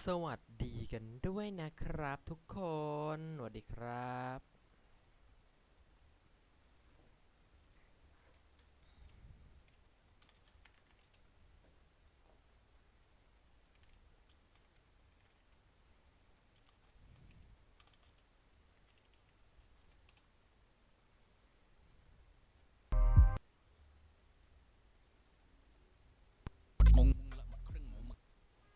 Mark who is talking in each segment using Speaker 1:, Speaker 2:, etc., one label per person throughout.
Speaker 1: สวัสดีกันด้วยนะครับทุกคนสวัสดีครับ
Speaker 2: มงละหมดครึ่งหมูหมึก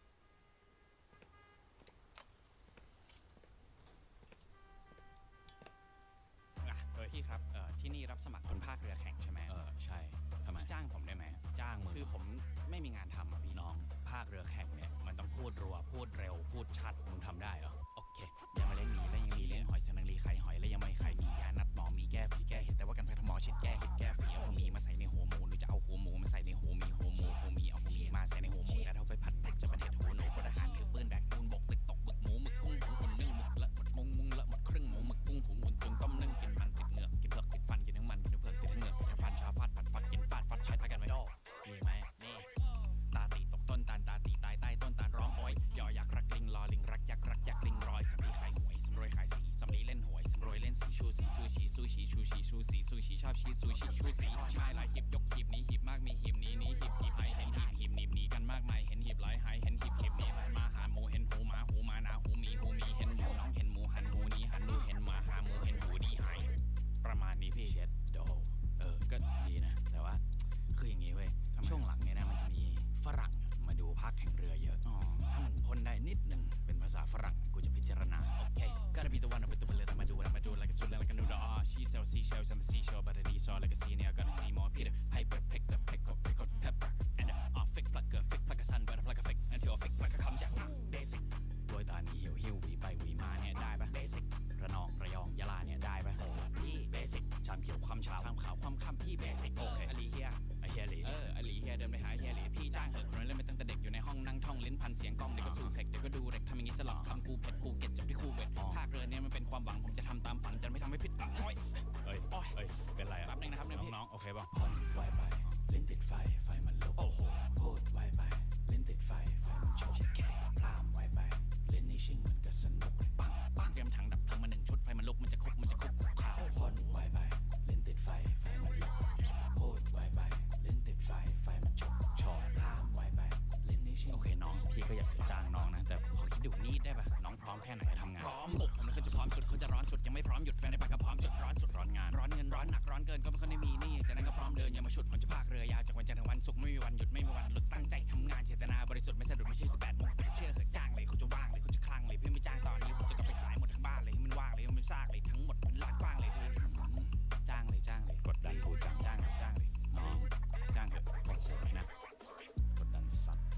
Speaker 2: พี่ครับที่นี่รับสมัครคนภาคเรือแข่งใช่ไหมใช่ทำไมจ้างผมได้ไหมจ้างมึงคือผมไม่มีงานทำอ่ะพี่น้องภาคเรือแข่งเนี่ยมันต้องพูดรัวพูดเร็วพูดชัดมึงทำได้เหรอโอเคยังมาเลี้ยงหมีแล้วยังมีเลี้ยงหอยเสนังรีไข่หอยแล้วยังไม่ไข่มียานัดหมอมีแก้ฝีแก้เห็ดแต่ว่ากันแพทย์หมอฉีดแก้เห็ดแก้ฝีเอาหัวหมีมาใส่ในหัวหมูหรือจะเอาหัวหมูมาใส่ในหัวหมีหัวหมูเอาหัวหมีมาใส่ในหัวหมูแล้วเอาไปผัดพริกจะเป็นเห็ดหัวหนูพลทหารถือปืนแบกปูนบกตึกตกบึกหมูหมึกกุ้งหุงอุ่นนึ่งหมึกละหมดมุงละหมดครึ่งหมูหมึกกุ้งหุงอุ่นตุนต้มนึ่งกินมันติดเหงือกกินเผือกติดฟันกินทั้งมันกินทั้งเผือกติดทั้งเหงือกกินทั้งฟันชาฟาดผัดฟัดกินฟาดฟัดใช้ตากันไว้โดมีไหมนี่ตาตีตกต้นตาลตาตีตายใต้ต้นตาลร้องโอยยอยักษ์รักลิงรอลิงรักยักษ์รักยักษ์ลิงรอยสำลีขายหวยสำรวยขายสีสำลีเล่นหวยสำรวยเล่นสีชูสีซูชีซูชีชูชีชูสีซูชีชอบชีซูชีชูสีชายหลายหีบยกหีบนี้หีบมากมีหีบนี้หีบหายเห็นหีบหนีบหนีกันมากมายเห็นหีบหลายหายเห็นหีบนี้มาหาหมูเห็นหูหมาหนาหูหมีเห็นหมูน้องเห็นหมูหันหูนี้หันดูเห็นหมาหาหมูเห็นหูดีหายประมาณนี้พี่เช็ดโดก็ดีนะแต่ว่าคืออย่างงี้เว้ยช่วงหลังเนี่ยนะมันจะมีฝรั่งมาดูภาคแข่งเรือเยอะถ้ามึงพ่นได้นิดหนึ่งเป็นภาษาฝรั่งกูจะพิจารณาโอเคก็จะมีตัววันเอาไปตัวเบลมาดูlike a soul like a noodle she sells seashells on the seashore but it is all like a sea now gotta see more Peter Piper pick the pickled pepper and fake like a sun but like a fake until fake like a คำจาก basic โดยตานีหิวหวีไปหวีมาเนี่ยได้ปะ basic ระนองระยองยะลาเนี่ยได้ปะพี่ basic ชามเขียวความขาวความค่ำพี่ basic โอเคอลีเฮียเฮียหลีอลีเฮียเดินไปหาเฮียหลีพี่จ้างเหอะคนนั้นเล่นไปตั้งแต่เด็กอยู่ในห้องนั่งท่องลิ้นพันเสียงกล้องเดี๋ยวก็สู้เพล็กเดี๋ยวก็ดูเร็กทำอย่างงี้สลับคำกูเผ็ดกูเก็ตจบที่คู่เวทภาคเรือเนี่ยมันเป็นความหวังผมจะทำตามฝันจะไม่ทำให้ผิดหวังเฮ้ยเป็นไรแป๊บนึงนะครับน้องโอเคป่ะพ่นไวไปเล่นติดไฟมันลุกโอ้โหพูดไวไปเล่นติดไฟมันโชกแก่พลามไวไปเล่นนี่ชิงมันก็สนุกปังเตรียมถังดับเพลิงมา1 ชุดไฟมันลุกมันจะคุกข่าวพ่นไวไปเล่นติดไฟมันลุกพูดไวไปเล่นติดไฟมันโชกพลามไวไปเล่นนี่ชิงโอเคน้องพี่ก็อยากจะจ้างน้องนะแต่ขอคิดดูนี่ได้ป่ะน้องพร้อมแค่ไหนทำงานพร้อมผมเลยเขาจะพร้อมสุดเขาจะร้อนสุดยังไม่พร้อมหยุดแฟนในปากก็พร้อมจุดร้อนสุดร้อนงานร้อนเงินร้อนหนักร้อนเกินก็ไม่ค่อยได้มีนี่จากนั้นก็พร้อมเดินอย่ามาฉุดผมจะพากเรือยาวจากวันจันทร์ถึงวันศุกร์ไม่มีวันหยุดไม่มีวันหลุดตั้งใจทำงานเจตนาบริสุทธิ์ไม่สะดุดไม่ใช่18 โมงเชื่อเหอะจ้างเลยเขาจะว่างเลยเขาจะคลั่งเลยเพื่อไม่จ้างตอนนี้ผมจะกลับไปขายหมดทั้งบ้านเลยให้มันว่างเลยให้มันซากเลยทั้งหมดเป็นลาดกว้างเลยจ้างเลยกดดันกูจ้างเลยน้องจ้างเถอะโอ้โหนะกดดันสัตว์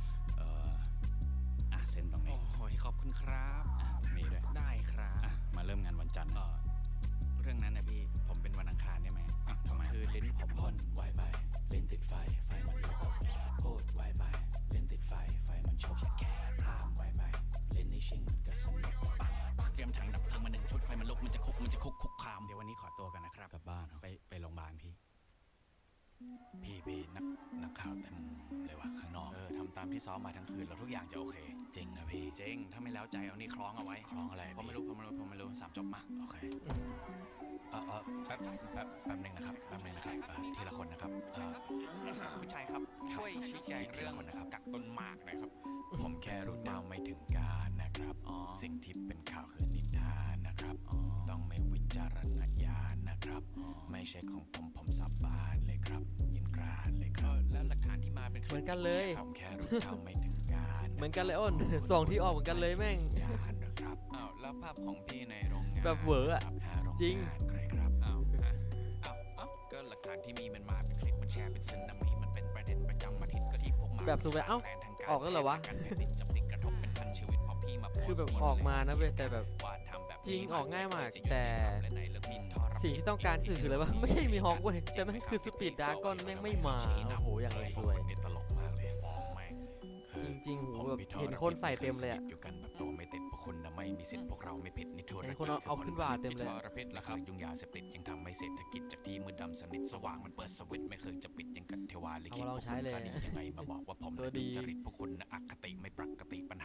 Speaker 2: เซ็นตรงนี้โอ้ยขอบคุณครับนี่ด้วยได้ครับมาเริ่มงานวันจันทร์เรื่องนั้นนะพี่ผมเป็นวันอังคารได้ไหมทำไมคือลิ้นผมพ่นไวไปเล่นติดไฟมันลุกพูดไวไปเล่นติดไฟมันโชกแก่พลามไวไปเล่นในชิงมันก็สนุกปังเตรียมถังดับเพลิงมา1 ชุดไฟมันลุกมันจะคุกคามเดี๋ยววันนี้ขอตัวกันนะครับกลับบ้านไปโรงพยาบาลพี่นักข่าวเต็มเลยว่ะข้างนอกทำตามที่ซ้อมมาทั้งคืนแล้วทุกอย่างจะโอเคจริงนะพี่จริงถ้าไม่แล้วใจเอานี่คล้องเอาไว้คล้องอะไรผมไม่รู้3 จบมาโอเคแป๊บนึงนะครับทีละคนนะครับผู้ชายครับช่วยชี้แจงเรื่องกักต้นหมากหน่อยครับผมแค่รู้ดาวไม่ถึงการนะครับสิ่งที่เป็นข่าวคือนิทานนะครับต้องไม่วิจารณญาณนะครับไม่ใช่ของผมสาบานเลยครับยินกรานเลยครับแล้วหลักฐานที่มาเป็น
Speaker 1: เหมือนกันเลย
Speaker 2: ผมแค่รู้ดาวไม่ถึงการ
Speaker 1: เหมือนกันเลยอ้นสองที่ออกเหมือนกันเลยแม่ง
Speaker 2: นะครับแล้วภาพของพี่ในโรงงาน
Speaker 1: แบบเวอร์อะจริง
Speaker 2: ใครครับก็หลักฐานที่มีมันมาเป็นคลิปมันแชร์เป็นซึนามิมันเป็นประเด็นประจำอาทิตย์ก็ที่พวกมา
Speaker 1: แบบสุดเลยออกแล้วเหรอวะคือแบบออกมานะเว้ยแต่แบบจริงออกง่ายมากแต่สิ่งที่ต้องการคืออะไรวะไม่ใช่มีฮอกเว้ยแต่มันคือสปีดดราก้อนแม่งไม่มาโอ้โหอย่างเลยสวย
Speaker 2: ตลกมากเลยฟ้องแม่ง
Speaker 1: จริงๆแบบเห็นคนใส่เต็มเลย
Speaker 2: อยู่กันแบบตัวไม่ติดพวกคุณนะไม่มีสิทธิ์พวกเราไม่ผิดนิทุน
Speaker 1: เห็นคนเอาขึ้นว่าเต็มเลย
Speaker 2: ระพิษราคายุ่งยาเสพติดยังทำให้เศรษฐกิจจากที่มืดดำสนิทสว่างมันเปิดสวิตช์ไม่เคยจะปิดยังกันเทวาลิขิตพวกคุณยังไงมาบอกว่าผม
Speaker 1: ตัวดี
Speaker 2: จริตพวกคุณอคติไม่ปกติปัญหา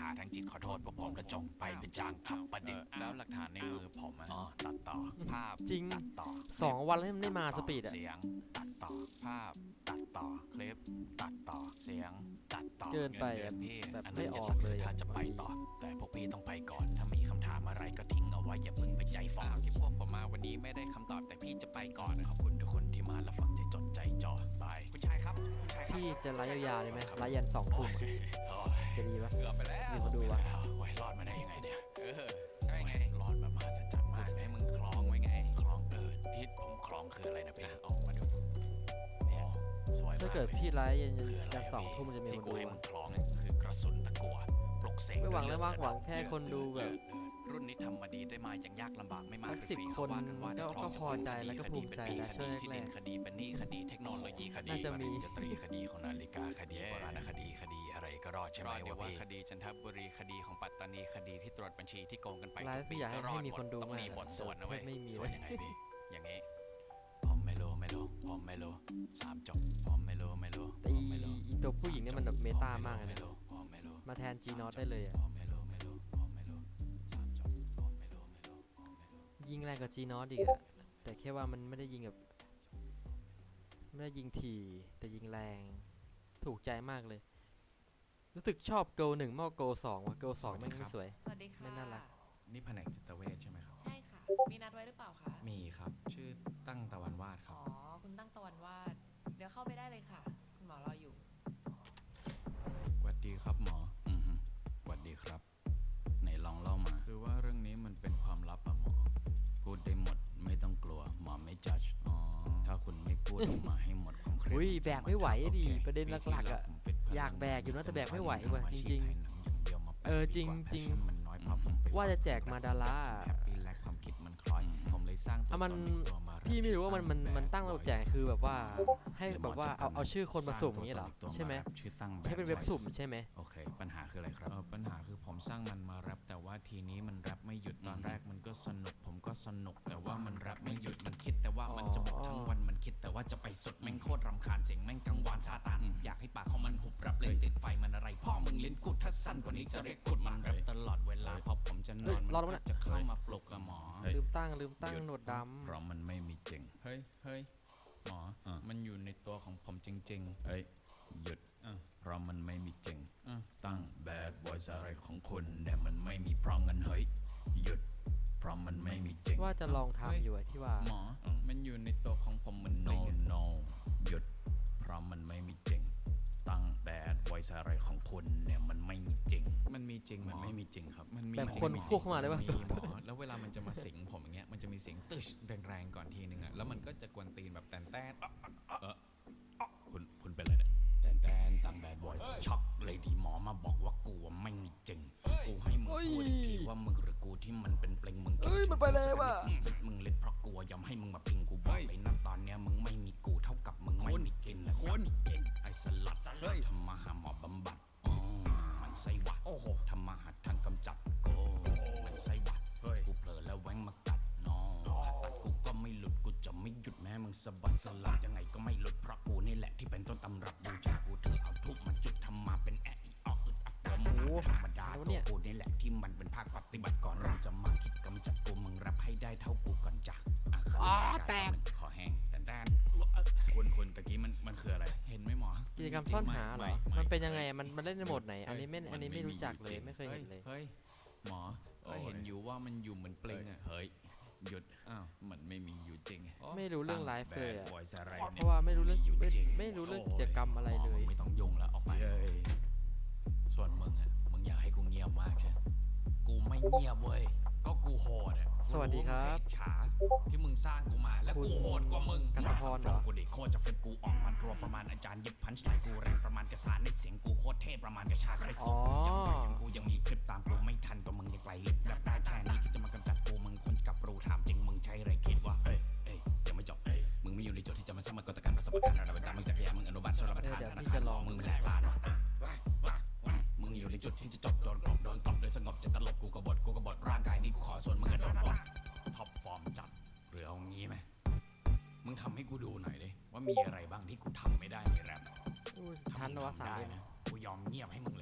Speaker 2: ขาทั้งจิตขอโทษพวกผมและจงไปเป็นจางขับประดิษฐ์แล้วหลักฐานในมือผมอ๋อตัดต่อภาพ
Speaker 1: จริง
Speaker 2: ตัดต่อ
Speaker 1: 2 วันแล้วมันไม่มาสปีดอะ
Speaker 2: เสียงตัดต่อภาพตัดต่อคลิปตัดต่อเสียงตัดต่อ
Speaker 1: เกินไปอะ
Speaker 2: งินเดือนพี่
Speaker 1: แบบ
Speaker 2: น
Speaker 1: ไม่
Speaker 2: นั้น
Speaker 1: อ
Speaker 2: จะ
Speaker 1: อก
Speaker 2: ชัด
Speaker 1: เลย
Speaker 2: ถ้า
Speaker 1: อะ
Speaker 2: จะไปต่อ แต่พวกพี่ต้องไปก่อนถ้ามีคำถามอะไรก็ทิ้งเอาไว้อย่าเพิ่งไปใจฝ่อที่พวกผมมาวันนี้ไม่ได้คำตอบแต่พี่จะไปก่อนขอบคุณทุกคนที่มาและฟังใจจดใจจ่อบายคุณชายครับคุณชายครับ
Speaker 1: พี่จะไลฟ์ยาวๆเลยไหมไลฟ์ยัน2 ทุ่ม
Speaker 2: โอ้ย
Speaker 1: จะดีปะ
Speaker 2: เกือบไปแล้ว
Speaker 1: มีคนดูวะ
Speaker 2: โอ้ยรอดมาได้ยังไงเนี่ยใช่ไงรอดแบบมหัศจรรย์มากให้มึงคล้องไว้ไงคล้องที่ผมคล้องคืออะไรนะพี่ออกมาดูเนี่ยสวยมาก
Speaker 1: ถ้าเกิด
Speaker 2: ลย
Speaker 1: พี่ไลฟ์ยัน
Speaker 2: คืออะไร
Speaker 1: 2 ทุ่มมันจะมี
Speaker 2: ที่
Speaker 1: คน
Speaker 2: กู
Speaker 1: ดู
Speaker 2: ให้มึ
Speaker 1: อะ
Speaker 2: งคล้องเนี่ยคือกระสุนตะกั่วปลุกเสก
Speaker 1: ไม่หวัง
Speaker 2: ด้วย
Speaker 1: เลยมาก
Speaker 2: เลือด
Speaker 1: หวัง
Speaker 2: สะ
Speaker 1: แค่คนดูแบบ
Speaker 2: รุ่นนี้ทำมาดีได้มาอย่างยากลำบากไม่มา
Speaker 1: สัก
Speaker 2: ฟรีๆ
Speaker 1: 10
Speaker 2: เขาว่ากันว่า
Speaker 1: คน
Speaker 2: ได้คล้อง
Speaker 1: ก็พอใจแล้วก็ภูมิใจแล้วช่วง
Speaker 2: คดี
Speaker 1: แรกๆ
Speaker 2: ที่ดินคดีเป็นหนี้คดีเทคโนโลยีคดี
Speaker 1: น่าจะมี
Speaker 2: ปริญญาตรีคดีของนาฬิกาคดีโบราณคดีคดีอะไรก็รอดใช่ไหมวะพี่คดีจันทบุรีคดีของปัตตานีคดีที่ตรวจบัญชีที่โกงกันไป
Speaker 1: ไลฟ์พี่อยากให้มีคนดู
Speaker 2: ต้อง
Speaker 1: มาก
Speaker 2: มีบทสวดนะเว้ย
Speaker 1: ไม่มี
Speaker 2: ส
Speaker 1: เว้
Speaker 2: วด
Speaker 1: ย
Speaker 2: ยังไงพี่อย่างงี้ผมไม่รู้ผมไม่รู้3 จบผมไม่รู้
Speaker 1: แต่อีตัวผู้หญิงเนี่ยมันแบบเมตามากเลย
Speaker 2: ไม่
Speaker 1: นะ
Speaker 2: รู้ผมไม่รู้
Speaker 1: มาแทน G Not ได้เลยอะ
Speaker 2: ผมไม่รู้3 จบผมไม่รู้
Speaker 1: ยิงแรงกว่า G Not อีกอะแต่แค่ว่ามันไม่ได้ยิงแบบไม่ได้ยิงถี่แต่ยิงแรงถูกใจมากเลย รู้สึกชอบโก1มากกว่าโก2ว่ะโก2ไม่งสวย
Speaker 3: สวัสดีค่ะ
Speaker 1: ไม่น่ารัก
Speaker 2: นี่แผนกจิตเวชใช่ไหมครับ
Speaker 3: ใช่ค่ะ มีนัดไว้หรือเปล่าคะ
Speaker 2: มีครับ ชื่อตั้งตะวันวาดครั
Speaker 3: อ๋
Speaker 2: บ
Speaker 3: อ คุณตั้งตะวันวาด เดี๋ยวเข้าไปได้เลยค่ะ คุณหมอรออยู่
Speaker 2: สวัสดีครับหมอสวัสดีครับไหนลองเล่ามา คือว่าเรื่องนี้มันเป็นความลับอะหมอ พูดได้หมดไม่ต้องกลัวหมอไม่จัดอ๋อ ถ้าคุณไม่พูดออกมาให้หมดความเครียด
Speaker 1: อุ้ยแบกไม่ไหวดิ
Speaker 2: โอค
Speaker 1: ประเด็นหลักๆอะ
Speaker 2: ปีที่แล้วผมฟิต
Speaker 1: อยากแบกอยู่นะแต่แบกไม่ไหวว่ะ
Speaker 2: ทำอา
Speaker 1: จ
Speaker 2: ชีพ
Speaker 1: ริงๆ
Speaker 2: ถ่ายหนังอย่างเดียวมาแปด
Speaker 1: เออ
Speaker 2: ปี
Speaker 1: จริง
Speaker 2: กว่า
Speaker 1: จริง
Speaker 2: passion มันน้อยพอผมไป
Speaker 1: ว่าจะแจกมาดารา
Speaker 2: แฮปปี้และความคิดมันคล้อยผมเลยสร้างตัว
Speaker 1: อ่ะมัน
Speaker 2: ตนตัวมา
Speaker 1: พี่ไม่รู้ว่ามันตั้งระบบแจกคือแบบว่าให้
Speaker 2: หรือ
Speaker 1: แบบว่า
Speaker 2: หมจะ
Speaker 1: เอาชื่อคนมาสุ่มอย่างนี้เหรอ
Speaker 2: สร้างตัวตน
Speaker 1: ใช่ไหม
Speaker 2: าแรปชื่อตั้ง
Speaker 1: ใช้เป็นเว็บสุ่มใช่ไหม
Speaker 2: โอเค ปัญหาคืออะไรครับปัญหาคือผมสร้างมันมาแรปแต่ว่าทีนี้มันแรปไม่หยุดตอนแรกมันก็สนุกผมก็สนุกแต่ว่ามันแรปไม่หยุดมันคิดแต่ว่ามันจะบอกทั้งวันมันคิดแต่ว่าจะไปสุดแม่งโคตรรำคาญเสียงแม่งกังวานซาตานอยากให้ปากของมันหุบรับเลยติดไฟมันอะไรพ่อมึงเล่นกูถ้าสั้นกว่านี้จะเรียกกูมันแรปตลอดเวลาพอผมจะนอน
Speaker 1: รอด
Speaker 2: มั
Speaker 1: แล้ว
Speaker 2: น
Speaker 1: นะ
Speaker 2: จะเข้ามาปลุกกับหมอ
Speaker 1: ลืมตั้งหนวดด
Speaker 2: เพราะมันไม่มีจริง เฮ้ย หมอ มันอยู่ในตัวของผมจริงๆ เฮ้ย หยุดเพราะมันไม่มีจริง ตั้ง bad voice อะไรของคุณเนี่ยมันไม่มีเพราะงั้นเฮ้ย หยุด เพราะมันไม่มีจริง
Speaker 1: ำว่าจะลองทำอยู่อะที่ว่า
Speaker 2: หมอ มันอยู่ในตัวของผมมัน no หยุด เพราะมันไม่มีจริง ตั้ง bad voice อะไรของคุณเนี่ยมันไม่มีจริง มันมีจริงมันไม่มีจริงครับ มันมี
Speaker 1: แบบคนพูดเข้ามาได้ปะ
Speaker 2: มีหมอ แล้วเวลามันจะมาสิงผมอย่างเงี้ย มันจะมีเสียงตึชแรงๆก่อนทีนึงอะแล้วมันก็จะกวนตีนแบบแตนคุณเป็นอะไรเนี่ยแตนตั้ง bad voice ช็อกเลยที่หมอมาบอกว่ากูไม่มีจริง กูให้มึงพูดอีกทีว่ามึงหรือกูที่มันเป็นเปลงมึง
Speaker 1: เอ้ยมันไปเลยว่ะ
Speaker 2: มึงเล็ดเพราะกลัวยอมให้มึงมาพิงกูบอกเลยนะตอนเนี้ยมึงไม่มีกูเท่ากับมึงไม่มีกินและคนไอ้สลัดทำมาหาหมอบำบัดมันไส้หวัดทำมาหาทางกำจัดโกมันไส้หวัดกูเผลอแล้วแว้งมากัดน้องผ่าตัดกูก็ไม่หลุดกูจะไม่หยุดแม้มึงสะบัดสลัดยังไงก็ไม่หลุดเพราะกูนี่แหละที่เป็นต้นตำรับบูชากูเธอเอาทุบมาจุดทำมาเป็นแอะอีออกอึดอัดตัวมึงธรรมดาตัวกูนี่แหละที่มันเป็นภาคปฏิบัติก่อนมึงจะมาคิดกำจัดกูมึงรับให้ได้เท่ากูก่อนจ้ะแตกขอแห้งแตนคุณตะกี้มันคืออะไรเห็นไหมหมอ
Speaker 1: กิจกรรมซ่อนหาเหรอ
Speaker 2: ไม่
Speaker 1: มันเป็นยังไงอะมันเล่นในโหมดไหน อันนี้ไม่รู้จักเลยไม่เคยเห็นเลย
Speaker 2: เฮ้ยหมอก็เห็นอยู่ว่ามันอยู่เหมือนเปลงอะเฮ้ยหยุดมันไม่มีอยู่จริง
Speaker 1: ไม่รู้เรื่องไลฟ์เลยอะ
Speaker 2: ตั้ง bad voice อะไร
Speaker 1: เพ
Speaker 2: นี่ย
Speaker 1: ราะว่าไม่รู้เรื่อง
Speaker 2: อยู่จริง
Speaker 1: ไม่รู้เรื่องกิจกรรมอะไรเลย
Speaker 2: ไม่ต้องยุ่งแล้วออกไปส่วนมึงอะมึงอยากให้กูเงียบมากใช่กูไม่เงียบเว้ยก็กูโหดอะ
Speaker 1: สวัสดีครับ
Speaker 2: มึงเห็นฉาที่มึงสร้างกูมาแล้วกูโหดกว่ามึง
Speaker 1: กัสพรเหรอ
Speaker 2: กูเด็กโคตรจะเฟซกูออกมันรัวประมาณอาจารย์เย็บพันช์ไลน์กูแรงประมาณกระสานในเสียงกูโคตรเท่ประมาณกระชากไร
Speaker 1: อ๋
Speaker 2: สุ
Speaker 1: อ
Speaker 2: ดยังไม่ถึงกูยังมีคลิปตามกูไม่ทันตัวมึงยังไกลลิบแบบได้แค่นี้ที่จะมากำจัดกูมึงคนกับรูถามจริงมึงใช้อะไรคิดว่าเอ้ยยังไม่จบมึงไม่อยู่ในโจทย์ที่จะมาสมัครกตการประสบการณ์ระดับอาจารย์มึงจากแย่มึงอนุบาลชลประทาน
Speaker 1: เดี๋ยว
Speaker 2: ธนา
Speaker 1: พี่
Speaker 2: คาร
Speaker 1: จะลอง
Speaker 2: มึงแหลกลานมึงอยู่ในจุดที่จะจบโดนกลบโดนตบโดยสงบจะตลบกูกบฏร่างกายนี้กูขอส่วนมึงโดนปลดท็อปฟอร์มจัดหรือเอางี้ไหมมึงทำให้กูดูหน่อยดิว่ามีอะไรบ้างที่กูทำไม่ได้ในแรป
Speaker 1: ทันวะ
Speaker 2: ถ้ามึง
Speaker 1: 3
Speaker 2: ทำได้
Speaker 1: เอ็ม
Speaker 2: นะกูยอมเงียบให้มึงเลย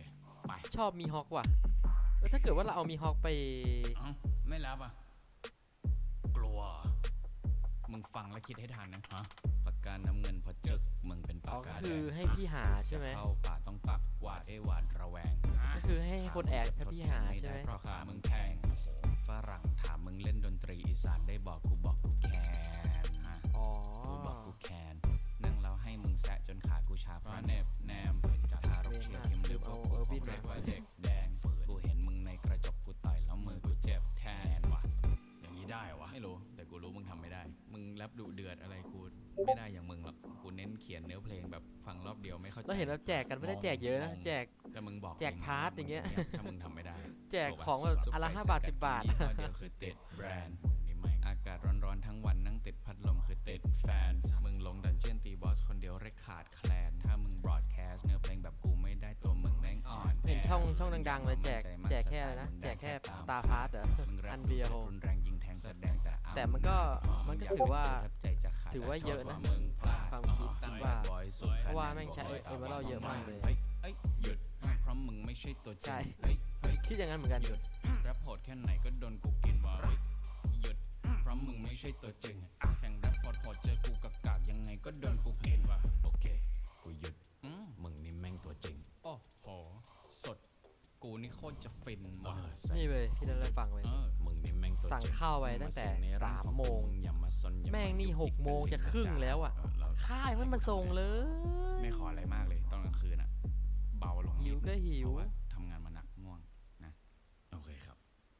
Speaker 2: ไป
Speaker 1: ชอบมีฮอกว่ะถ้าเกิดว่าเราเอามีฮอกไป
Speaker 2: เอ้าไม่รับอ่ะกลัวมึงฟังแล้วคิดให้ทันนะฮะปากกาน้ำเงินพอจึกมึงเป็นปากกา
Speaker 1: คือให้พี่หาใช่ไหม
Speaker 2: เข้าป่าต้องปักหวาดหวาดระแวง
Speaker 1: ก็คือให้คนแอบให้พี่หาใช่ไหม
Speaker 2: เพราะขามึงแพงฝรั่งถามมึงเล่นดนตรีอีสานได้บอกกูบอกกูแคนฮะ
Speaker 1: อ๋อ
Speaker 2: กูบอกกูแคนนั่งแล้วให้มึงแซะจนขากูชาเพราะเน็บแนมทารกเชียร์พิมพ์หรือพวกกูของเรียกว่าเด็กแดงกูเห็นมึงในกระจกกูต่อยแล้วมือกูเจ็บแทนว่ะอย่างนี้ได้วะไม่รู้แต่กูรู้มึงทำไม่ได้มึงแรปดุเดือดอะไรกูไม่ได้อย่างมึงหรอกกูเน้นเขียนเนื้อเพลงแบบฟังรอบเดียวไม่เข้าใจ
Speaker 1: เราเห็นเราแจกกันไม่ได้แจกเยอะนะแจก
Speaker 2: แต่มึงบอก
Speaker 1: แจกพาร์ทอย่างเงี้ย
Speaker 2: ถ้ามึงทำไม่ได้
Speaker 1: แจกของแบบอนละ5 บาท 10 บาท
Speaker 2: ยี่ห้อเดียวคือติดแบรนด์นี่ไม่อากาศร้อนๆทั้งวันนั่งติดพัดลมคือติดแฟนมึงลงดันเจียนตีบอสคนเดียวเรคขาดแคลนถ้ามึงบรอดแคสต์เนื้อเพลงแบบกูไม่ได้ตัวมึงแม่งอ่อน
Speaker 1: เห็นช่องดังๆเลยแจกแค่อะไรนะแจกแค่ตาพาร์ทเหรอ
Speaker 2: มึงแรป
Speaker 1: อันเดียว
Speaker 2: รุนแรงยิงแทงแสดงแต่
Speaker 1: แต่มันก็ถือว่า
Speaker 2: ใจจะขาด
Speaker 1: ถือว่าเยอะนะ
Speaker 2: มึงพลาด
Speaker 1: ความคิดว่า เพราะว่าแม่งใช้
Speaker 2: Boy
Speaker 1: เอเวอร์เยอะมากเลย
Speaker 2: เฮ้ยหยุดเพราะมึงไม่ใช่ตัวจริ
Speaker 1: ใช่
Speaker 2: งเฮ้ย
Speaker 1: คิดอย่างนั้นเหมือนกัน
Speaker 2: หยุดแรปโหดแค่ไหนก็โดนกูกินวะหยุดเพราะมึงไม่ใช่ตัวจริงแข่งแรปโหดเจอกูกากยังไงก็โดนกูกินวะโอเคกูหยุดมึงนี่แม่งตัวจริงโอ้โหสดกูนี่โคตรจะฟินว่ะ
Speaker 1: นี่เลยที่เราได้ฟังไว้
Speaker 2: มึงนี่แม่งตัวจริง
Speaker 1: สั่งข้าวไว้ตั้งแต่3 โมง
Speaker 2: อย่ามาซนอย่าา
Speaker 1: แม่งนี่
Speaker 2: ยุกยิก
Speaker 1: 6 โมงจะครึ่งแล้วอะ
Speaker 2: เรา
Speaker 1: ค่ายมันมาส่งเลย
Speaker 2: ไม่ขออะไรมากเลยตอนกลางคืนอะเบาลง
Speaker 1: หิวก็หิว
Speaker 2: เพราะว่าทำงานมาหนักง่วงนะโอเคครับ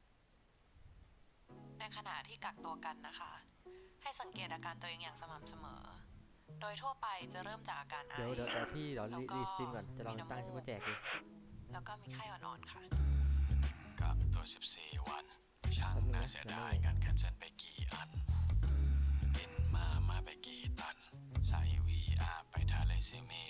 Speaker 3: ในขณะที่กักตัวกันนะคะ ให้สังเกตอาการตัวเองอย่างสม่ำเสมอ โดยทั่วไปจะเริ่มจากอาการไอ
Speaker 1: เดี๋ยวที่เดี๋ยว
Speaker 3: แล้วก็
Speaker 1: รีสตรีมก่อนจะลองตั้งที่มาแจกดู
Speaker 3: แล้วก็มีไข้อ่อนๆค่ะ
Speaker 4: กักตัว 14 วัน ช่างน่าเสียดายการแคนเซิลไปกี่อัน กินมาไปกี่ตัน ใส่ VR ไปทะเลซิมี